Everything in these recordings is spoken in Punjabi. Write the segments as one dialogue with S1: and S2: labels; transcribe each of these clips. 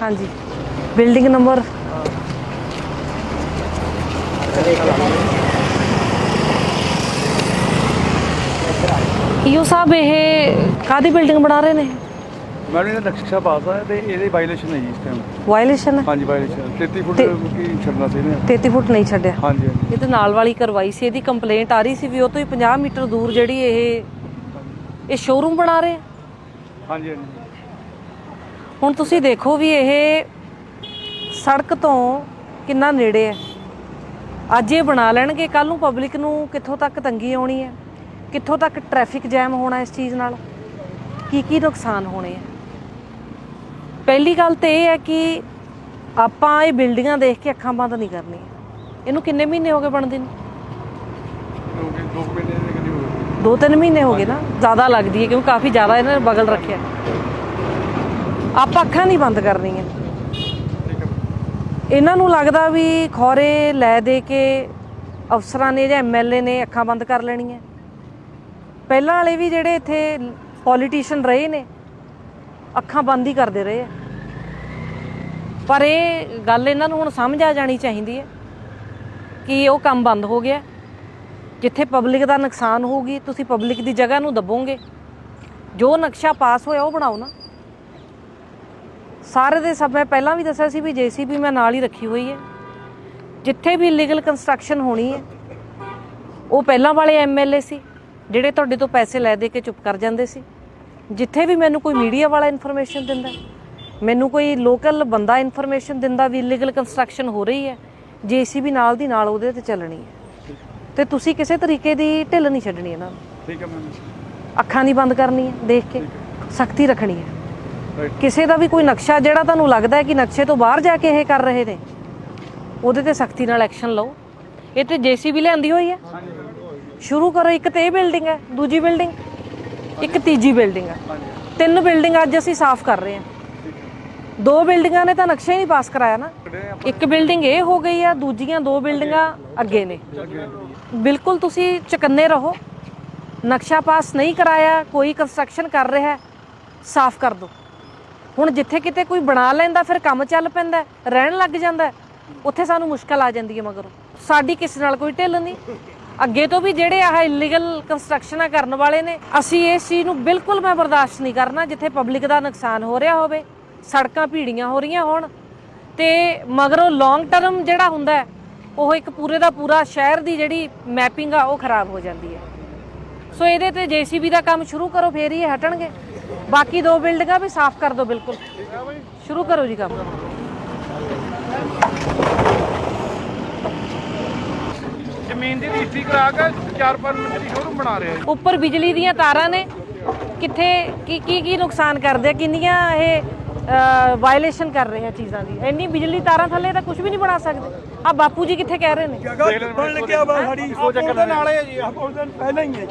S1: हाँ जी बिल्डिंग नंबर ਈਓ ਸਾਹਿਬ ਇਹ ਕਾਹਦੀ ਬਿਲਡਿੰਗ ਬਣਾ ਰਹੇ ਨੇ?
S2: ਮੈਡਮ ਇਹਦਾ ਨਕਸ਼ਾ ਪਾਸ ਆ ਤੇ ਇਹਦੇ ਵਾਇਲੇਸ਼ਨ ਹੈ ਜੀ ਇਸ ਟਾਈਮ।
S1: ਵਾਇਲੇਸ਼ਨ ਹੈ?
S2: ਹਾਂਜੀ ਵਾਇਲੇਸ਼ਨ 33 ਫੁੱਟ ਕੀ ਛੱਡਣਾ ਸੀ ਇਹਨੇ।
S1: 33 ਫੁੱਟ ਨਹੀਂ ਛੱਡਿਆ।
S2: ਹਾਂਜੀ ਹਾਂਜੀ
S1: ਇਹਦੇ ਨਾਲ ਵਾਲੀ ਕਰਵਾਈ ਸੀ, ਇਹਦੀ ਕੰਪਲੇਂਟ ਆ ਰਹੀ ਸੀ ਵੀ ਉਹ ਤੋਂ ਹੀ 50 ਮੀਟਰ ਦੂਰ ਜਿਹੜੀ ਇਹ ਸ਼ੋਰੂਮ ਬਣਾ ਰਹੇ।
S2: ਹਾਂਜੀ ਹਾਂਜੀ
S1: ਹੁਣ ਤੁਸੀਂ ਦੇਖੋ ਵੀ ਇਹ ਸੜਕ ਤੋਂ ਕਿੰਨਾ ਨੇੜੇ ਹੈ। ਅੱਜ ਇਹ ਬਣਾ ਲੈਣਗੇ, ਕੱਲ ਨੂੰ ਪਬਲਿਕ ਨੂੰ ਕਿੱਥੋਂ ਤੱਕ ਤੰਗੀ ਆਉਣੀ ਹੈ, ਕਿੱਥੋਂ ਤੱਕ ਟ੍ਰੈਫਿਕ ਜੈਮ ਹੋਣਾ ਇਸ ਚੀਜ਼ ਨਾਲ, ਕੀ ਨੁਕਸਾਨ ਹੋਣੇ ਆ। ਪਹਿਲੀ ਗੱਲ ਤਾਂ ਇਹ ਹੈ ਕਿ ਆਪਾਂ ਇਹ ਬਿਲਡਿੰਗਾਂ ਦੇਖ ਕੇ ਅੱਖਾਂ ਬੰਦ ਨਹੀਂ ਕਰਨੀਆਂ। ਇਹਨੂੰ ਕਿੰਨੇ ਮਹੀਨੇ ਹੋ ਗਏ ਬਣਦੇ ਨੂੰ? 2-3 ਮਹੀਨੇ ਹੋ ਗਏ ਨਾ, ਜ਼ਿਆਦਾ ਲੱਗਦੀ ਹੈ ਕਿਉਂਕਿ ਕਾਫੀ ਜ਼ਿਆਦਾ ਇਹਨਾਂ ਨੇ ਬਗਲ ਰੱਖਿਆ। ਆਪਾਂ ਅੱਖਾਂ ਨਹੀਂ ਬੰਦ ਕਰਨੀਆਂ। ਇਹਨਾਂ ਨੂੰ ਲੱਗਦਾ ਵੀ ਖੌਰੇ ਲੈ ਦੇ ਕੇ ਅਫਸਰਾਂ ਨੇ ਜਾਂ MLA ਨੇ ਅੱਖਾਂ ਬੰਦ ਕਰ ਲੈਣੀਆਂ। ਪਹਿਲਾਂ ਵਾਲੇ ਵੀ ਜਿਹੜੇ ਇੱਥੇ ਪੋਲੀਟੀਸ਼ੀਅਨ ਰਹੇ ਨੇ ਅੱਖਾਂ ਬੰਦ ਹੀ ਕਰਦੇ ਰਹੇ ਆ। ਪਰ ਇਹ ਗੱਲ ਇਹਨਾਂ ਨੂੰ ਹੁਣ ਸਮਝ ਆ ਜਾਣੀ ਚਾਹੀਦੀ ਹੈ ਕਿ ਉਹ ਕੰਮ ਬੰਦ ਹੋ ਗਿਆ। ਜਿੱਥੇ ਪਬਲਿਕ ਦਾ ਨੁਕਸਾਨ ਹੋਊਗੀ ਤੁਸੀਂ ਪਬਲਿਕ ਦੀ ਜਗ੍ਹਾ ਨੂੰ ਦੱਬੋਗੇ। ਜੋ ਨਕਸ਼ਾ ਪਾਸ ਹੋਇਆ ਉਹ ਬਣਾਓ ਨਾ। ਸਾਰੇ ਦੇ ਸਭ ਮੈਂ ਪਹਿਲਾਂ ਵੀ ਦੱਸਿਆ ਸੀ ਵੀ JCB ਮੈਂ ਨਾਲ ਹੀ ਰੱਖੀ ਹੋਈ ਹੈ। ਜਿੱਥੇ ਵੀ ਇਲੀਗਲ ਕੰਸਟਰਕਸ਼ਨ ਹੋਣੀ ਹੈ ਉਹ ਪਹਿਲਾਂ ਵਾਲੇ MLA ਸੀ ਜਿਹੜੇ ਤੁਹਾਡੇ ਤੋਂ ਪੈਸੇ ਲੈ ਦੇ ਕੇ ਚੁੱਪ ਕਰ ਜਾਂਦੇ ਸੀ। ਜਿੱਥੇ ਵੀ ਮੈਨੂੰ ਕੋਈ ਮੀਡੀਆ ਵਾਲਾ ਇਨਫੋਰਮੇਸ਼ਨ ਦਿੰਦਾ, ਮੈਨੂੰ ਕੋਈ ਲੋਕਲ ਬੰਦਾ ਇਨਫੋਰਮੇਸ਼ਨ ਦਿੰਦਾ ਵੀ ਇਲੀਗਲ ਕੰਸਟਰਕਸ਼ਨ ਹੋ ਰਹੀ ਹੈ, JCB ਨਾਲ ਦੀ ਨਾਲ ਉਹਦੇ ਤੇ ਚੱਲਣੀ ਹੈ। ਤੇ ਤੁਸੀਂ ਕਿਸੇ ਤਰੀਕੇ ਦੀ ਢਿੱਲ ਨਹੀਂ ਛੱਡਣੀ ਇਹਨਾਂ ਨੂੰ।
S2: ਠੀਕ ਹੈ ਮੈਮ।
S1: ਅੱਖਾਂ ਨਹੀਂ ਬੰਦ ਕਰਨੀ ਹੈ, ਦੇਖ ਕੇ ਸਖਤੀ ਰੱਖਣੀ ਹੈ। ਕਿਸੇ ਦਾ ਵੀ ਕੋਈ ਨਕਸ਼ਾ ਜਿਹੜਾ ਤੁਹਾਨੂੰ ਲੱਗਦਾ ਹੈ ਕਿ ਨਕਸ਼ੇ ਤੋਂ ਬਾਹਰ ਜਾ ਕੇ ਇਹ ਕਰ ਰਹੇ ਨੇ, ਉਹਦੇ ਤੇ ਸਖਤੀ ਨਾਲ ਐਕਸ਼ਨ ਲਓ। ਇਹ ਤੇ JCB ਲਿਆਂਦੀ ਹੋਈ ਹੈ, ਸ਼ੁਰੂ ਕਰੋ। ਇੱਕ ਤੇ ਇਹ ਬਿਲਡਿੰਗ ਹੈ, ਦੂਜੀ ਬਿਲਡਿੰਗ, ਇੱਕ ਤੀਜੀ ਬਿਲਡਿੰਗ ਹੈ। 3 ਬਿਲਡਿੰਗ ਅੱਜ ਅਸੀਂ ਸਾਫ਼ ਕਰ ਰਹੇ ਹਾਂ। 2 ਬਿਲਡਿੰਗਾਂ ਨੇ ਤਾਂ ਨਕਸ਼ਾ ਹੀ ਨਹੀਂ ਪਾਸ ਕਰਾਇਆ ਨਾ। ਇੱਕ ਬਿਲਡਿੰਗ ਇਹ ਹੋ ਗਈ ਆ, ਦੂਜੀਆਂ 2 ਬਿਲਡਿੰਗਾਂ ਅੱਗੇ ਨੇ। ਬਿਲਕੁਲ ਤੁਸੀਂ ਚੁਕੰਨੇ ਰਹੋ। ਨਕਸ਼ਾ ਪਾਸ ਨਹੀਂ ਕਰਾਇਆ, ਕੋਈ ਕੰਸਟਰਕਸ਼ਨ ਕਰ ਰਿਹਾ, ਸਾਫ਼ ਕਰ ਦਿਓ। ਹੁਣ ਜਿੱਥੇ ਕਿਤੇ ਕੋਈ ਬਣਾ ਲੈਂਦਾ ਫਿਰ ਕੰਮ ਚੱਲ ਪੈਂਦਾ, ਰਹਿਣ ਲੱਗ ਜਾਂਦਾ, ਉੱਥੇ ਸਾਨੂੰ ਮੁਸ਼ਕਲ ਆ ਜਾਂਦੀ ਹੈ। ਮਗਰੋਂ ਸਾਡੀ ਕਿਸੇ ਨਾਲ ਕੋਈ ਢਿੱਲ ਨਹੀਂ। ਅੱਗੇ ਤੋਂ ਵੀ ਜਿਹੜੇ ਆਹ ਇਲੀਗਲ ਕੰਸਟਰਕਸ਼ਨਾਂ ਕਰਨ ਵਾਲੇ ਨੇ, ਅਸੀਂ ਇਸ ਚੀਜ਼ ਨੂੰ ਬਿਲਕੁਲ ਮੈਂ ਬਰਦਾਸ਼ਤ ਨਹੀਂ ਕਰਨਾ। ਜਿੱਥੇ ਪਬਲਿਕ ਦਾ ਨੁਕਸਾਨ ਹੋ ਰਿਹਾ ਹੋਵੇ, ਸੜਕਾਂ ਭੀੜੀਆਂ ਹੋ ਰਹੀਆਂ ਹੋਣ ਤੇ ਮਗਰੋਂ ਲੌਂਗ ਟਰਮ ਜਿਹੜਾ ਹੁੰਦਾ ਉਹ ਇੱਕ ਪੂਰੇ ਦਾ ਪੂਰਾ ਸ਼ਹਿਰ ਦੀ ਜਿਹੜੀ ਮੈਪਿੰਗ ਆ ਉਹ ਖਰਾਬ ਹੋ ਜਾਂਦੀ ਹੈ। ਸੋ ਇਹਦੇ ਤੇ JCB ਦਾ ਕੰਮ ਸ਼ੁਰੂ ਕਰੋ, ਫੇਰ ਹੀ ਇਹ ਹਟਣਗੇ। ਬਾਕੀ 2 ਬਿਲਡਿੰਗਾਂ ਵੀ ਸਾਫ਼ ਕਰ ਦਿਓ, ਬਿਲਕੁਲ ਸ਼ੁਰੂ ਕਰੋ ਜੀ ਕੰਮ।
S2: ਜ਼ਮੀਨ ਦੀ ਰਜਿਸਟਰੀ ਕਰਾ ਕੇ 4-5 ਮੰਜ਼ਲੀ ਸ਼ੋਰੂਮ ਬਣਾ ਰਹੇ ਆ।
S1: ਉੱਪਰ ਬਿਜਲੀ ਦੀਆਂ ਤਾਰਾਂ ਨੇ, ਕਿੱਥੇ ਕੀ ਨੁਕਸਾਨ ਕਰਦੇ ਆ, ਕਿੰਨੀਆਂ ਇਹ ਵਾਇਲੇਸ਼ਨ ਕਰ ਰਹੇ ਆ ਚੀਜ਼ਾਂ ਦੀ। ਇੰਨੀ ਬਿਜਲੀ ਤਾਰਾਂ ਥੱਲੇ ਤਾਂ ਕੁਝ ਵੀ ਨਹੀਂ ਬਣਾ ਸਕਦੇ। ਆ ਬਾਪੂ ਜੀ ਕਿੱਥੇ ਕਹਿ ਰਹੇ ਨੇ?
S2: ਬਣ ਲੱਗਿਆ ਵਾ ਸਾਡੀ ਸੋਚ ਦੇ ਨਾਲ ਹੈ ਜੀ। ਪਹਿਲਾਂ ਹੀ ਹੈ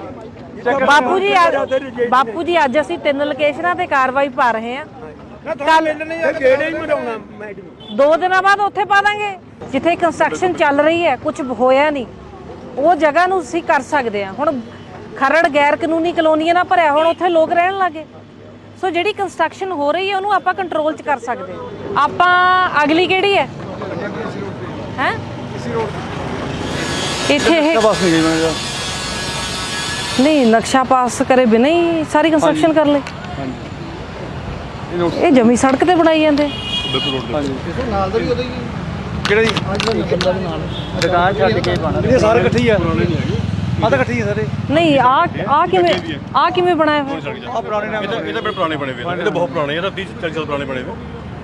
S2: ਜੀ।
S1: ਬਾਪੂ ਜੀ ਅੱਜ ਅਸੀਂ 3 ਲੋਕੇਸ਼ਨਾਂ ਤੇ ਕਾਰਵਾਈ ਪਾ ਰਹੇ ਹਾਂ। ਕੱਲ
S2: ਗੇੜੇ ਹੀ ਮਰਾਉਣਾ ਮੈਡਮ।
S1: 2 ਦਿਨਾਂ ਬਾਅਦ ਉੱਥੇ ਪਾ ਦਾਂਗੇ ਜਿੱਥੇ ਕੰਸਟਰਕਸ਼ਨ ਚੱਲ ਰਹੀ ਹੈ, ਕੁਝ ਹੋਇਆ ਨਹੀਂ, ਉਹ ਜਗ੍ਹਾ ਨੂੰ ਅਸੀਂ ਕਰ ਸਕਦੇ ਹਾਂ। ਹੁਣ ਖਰੜ ਗੈਰ ਕਾਨੂੰਨੀ ਕਲੋਨੀਆਂ ਨਾਲ ਭਰਿਆ, ਹੁਣ ਉੱਥੇ ਲੋਕ ਰਹਿਣ ਲੱਗੇ। ਸੋ ਜਿਹੜੀ ਕੰਸਟਰਕਸ਼ਨ ਹੋ ਰਹੀ ਹੈ ਉਹਨੂੰ ਆਪਾਂ ਕੰਟਰੋਲ 'ਚ ਕਰ ਸਕਦੇ ਹਾਂ। ਆਪਾਂ ਅਗਲੀ ਕਿਹੜੀ ਹੈ ਇੱਥੇ ਇਹ ਨਹੀਂ ਨਕਸ਼ਾ ਪਾਸ ਕਰੇ ਬਿਨਾਂ ਹੀ ਸਾਰੀ ਕੰਸਟਰਕਸ਼ਨ ਕਰ ਲਈ। ਇਹ ਜਮੀ ਸੜਕ ਤੇ ਬਣਾਈ ਜਾਂਦੇ।
S2: ਨਾਲ ਦਾ ਵੀ ਉਹਦਾ ਹੀ ਕਿਹੜਾ ਜੀ ਦੁਕਾਨ ਛੱਡ ਕੇ ਪਾਣਾ। ਇਹ ਸਾਰੇ ਇਕੱਠੇ ਹੀ ਆ, ਆ ਤਾਂ ਇਕੱਠੇ ਹੀ ਆ ਸਾਰੇ।
S1: ਨਹੀਂ ਆ ਕਿਵੇਂ ਬਣਾਇਆ ਹੋਇਆ?
S3: ਆ ਪੁਰਾਣੇ ਨਾਮ ਇਹ ਤਾਂ ਬੜੇ ਪੁਰਾਣੇ ਬਣੇ ਹੋਏ, ਇਹ ਤਾਂ ਬਹੁਤ ਪੁਰਾਣੇ, ਇਹ ਤਾਂ 30-40 ਸਾਲ ਪੁਰਾਣੇ ਬਣੇ ਹੋਏ।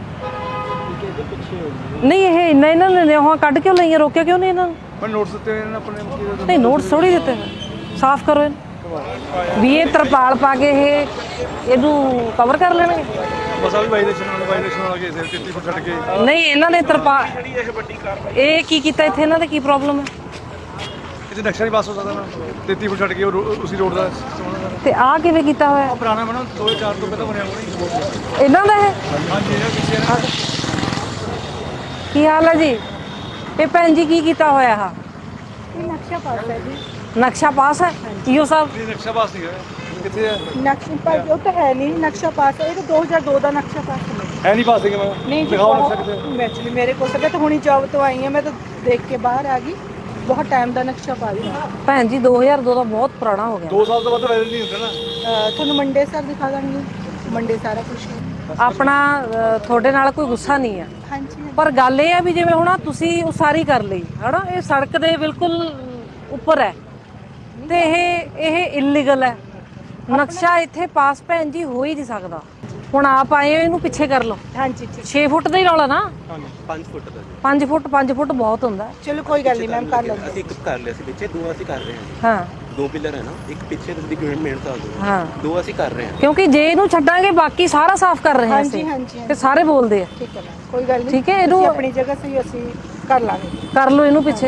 S1: ਨਹੀਂ ਇਹ ਇਹਨਾਂ ਨੇ ਉਹ ਕੱਢ ਕਿਉਂ ਲਈਆਂ, ਰੋਕਿਆ ਕਿਉਂ ਨਹੀਂ ਇਹਨਾਂ ਨੂੰ?
S2: ਪਰ ਨੋਟਿਸ ਦਿੱਤੇ ਇਹਨਾਂ ਆਪਣੇ।
S1: ਨਹੀਂ ਨੋਟਿਸ ਥੋੜੀ ਦਿੱਤੇ, ਸਾਫ਼ ਕਰੋ ਇਹਨੂੰ ਵੀ। ਇਹ ਤਰਪਾਲ ਪਾ ਕੇ ਇਹਨੂੰ ਕਵਰ ਕਰ ਲੈਣਗੇ।
S2: ਬਸ ਆ ਵੀ ਵਾਇਲੇਸ਼ਨ ਵਾਲਾ ਕੇਸ ਹੈ। 33 ਫੁੱਟ ਛੱਡ ਕੇ
S1: ਨਹੀਂ ਇਹਨਾਂ ਨੇ ਇਹ ਕੀ ਕੀਤਾ ਇੱਥੇ? ਇਹਨਾਂ ਦਾ ਕੀ ਪ੍ਰੋਬਲਮ ਹੈ?
S2: ਇੱਥੇ ਨਕਸ਼ਾ ਨਹੀਂ ਪਾਸ ਹੋ ਸਕਦਾ ਨਾ। 33 ਫੁੱਟ ਛੱਡ ਕੇ ਉਸੇ ਰੋਡ ਦਾ
S1: ਤੇ ਆਹ ਕਿਵੇਂ ਕੀਤਾ ਹੋਇਆ?
S2: ਪੁਰਾਣਾ ਬਣਾ 2004 ਤੋਂ ਪਹਿਲਾਂ ਬਣਿਆ ਹੋਣਾ।
S1: ਇਹਨਾਂ ਦਾ ਹੈ?
S2: ਹਾਂਜੀ ਇਹਨਾਂ ਪਿੱਛੇ
S1: ਕੀ ਹਾਲ ਹੈ ਜੀ? ਇਹ ਭੈਣ ਜੀ ਕੀ ਕੀਤਾ ਹੋਇਆ? ਆ
S4: ਨਕਸ਼ਾ ਪਾਸ ਹੈ ਜੀ।
S1: ਨਕਸ਼ਾ ਪਾਸ ਹੈ ਈਓ ਸਾਹਿਬ?
S2: ਨਕਸ਼ਾ ਪਾਸ ਨਹੀਂ ਹੋਇਆ। ਕਿੱਥੇ ਹੈ
S4: ਨਕਸ਼ਾ ਪਾਸ ਉਹ ਤਾਂ ਹੈ ਨਹੀਂ। ਨਕਸ਼ਾ ਪਾਸ ਹੈ, ਇਹ ਤਾਂ 2002 ਦਾ ਨਕਸ਼ਾ ਪਾਸ ਹੈ।
S2: ਹੈ ਨਹੀਂ ਪਾਸਿੰਗ ਮੈਂ
S4: नहीं जी
S2: ਦਿਖਾਓ ਨਕਸ਼ਾ
S4: बहुत
S2: ਕਿਤੇ
S4: एक्चुअली मेरे को मैं तो हुणी जॉब तो आई है मैं तो देख के बाहर आ गई बहुत टाइम का नक्शा पा दी
S1: ਭੈਣ ਜੀ 2002 ਦਾ ਬਹੁਤ ਪੁਰਾਣਾ ਹੋ ਗਿਆ
S2: 2 ਸਾਲ ਤੋਂ ਵੱਧ ਵੈਲਿਡ ਨਹੀਂ ਹੁੰਦਾ ਨਾ
S4: ਤੁਹਾਨੂੰ ਮੰਡੇ ਸਰ ਦਿਖਾ ਦਾਂਗੀ ਮੰਡੇ ਸਾਰਾ ਕੁਝ
S1: ਆਪਣਾ ਤੁਹਾਡੇ ਨਾਲ ਕੋਈ ਗੁੱਸਾ ਨਹੀਂ ਹੈ
S4: ਹਾਂਜੀ
S1: ਪਰ ਗੱਲ ਇਹ ਹੈ ਵੀ ਜਿਵੇਂ ਹੁਣ ਆਹ ਤੁਸੀਂ ਉਸਾਰੀ ਕਰ ਲਈ ਹਨਾ ਇਹ ਸੜਕ ਦੇ ਬਿਲਕੁਲ ਉੱਪਰ ਹੈ ਤੇ ਇਹ ਇਲੀਗਲ ਹੈ ਨਕਸ਼ਾ ਇੱਥੇ ਪਾਸ ਭੈਣ ਜੀ ਹੋ ਹੀ ਨਹੀਂ ਸਕਦਾ ਹੁਣ ਆਪ ਆਏ ਹੋ ਇਹਨੂੰ ਪਿੱਛੇ ਕਰ ਲਓ
S4: ਹਾਂਜੀ ਠੀਕ
S1: 6 ਫੁੱਟ ਦਾ ਹੀ ਰੌਲਾ ਨਾ
S5: 5 ਫੁੱਟ ਦਾ
S1: 5 ਫੁੱਟ ਬਹੁਤ ਹੁੰਦਾ
S4: ਚਲੋ ਕੋਈ ਗੱਲ ਨਹੀਂ ਮੈਮ ਕਰ ਲਾਂਗੇ
S5: ਅਸੀਂ ਇੱਕ ਕਰ ਲਿਆ ਸੀ ਪਿੱਛੇ ਦੋ ਅਸੀਂ ਕਰ ਰਹੇ ਹਾਂ
S1: ਹਾਂ
S5: 2 ਪਿਲਰ ਹੈ ਨਾ ਇੱਕ ਪਿੱਛੇ ਤੁਸੀਂ ਮਿਹਨਤ ਆ ਦੋ
S1: ਹਾਂ
S5: ਦੋ ਅਸੀਂ ਕਰ ਰਹੇ ਹਾਂ
S1: ਕਿਉਂਕਿ ਜੇ ਇਹਨੂੰ ਛੱਡਾਂਗੇ ਬਾਕੀ ਸਾਰਾ ਸਾਫ਼ ਕਰ ਰਹੇ ਹਾਂ
S4: ਹਾਂਜੀ
S1: ਅਸੀਂ
S4: ਹਾਂਜੀ
S1: ਤੇ ਸਾਰੇ ਬੋਲਦੇ ਆ
S4: ਠੀਕ ਹੈ ਮੈਮ ਕੋਈ ਗੱਲ ਨਹੀਂ
S1: ਠੀਕ ਹੈ, ਇਹਨੂੰ-
S4: ਤੁਸੀਂ ਆਪਣੀ ਜਗ੍ਹਾ ਸਹੀ ਅਸੀਂ ਕਰ ਲਾਂਗੇ
S1: ਕਰ ਲਓ ਇਹਨੂੰ ਪਿੱਛੇ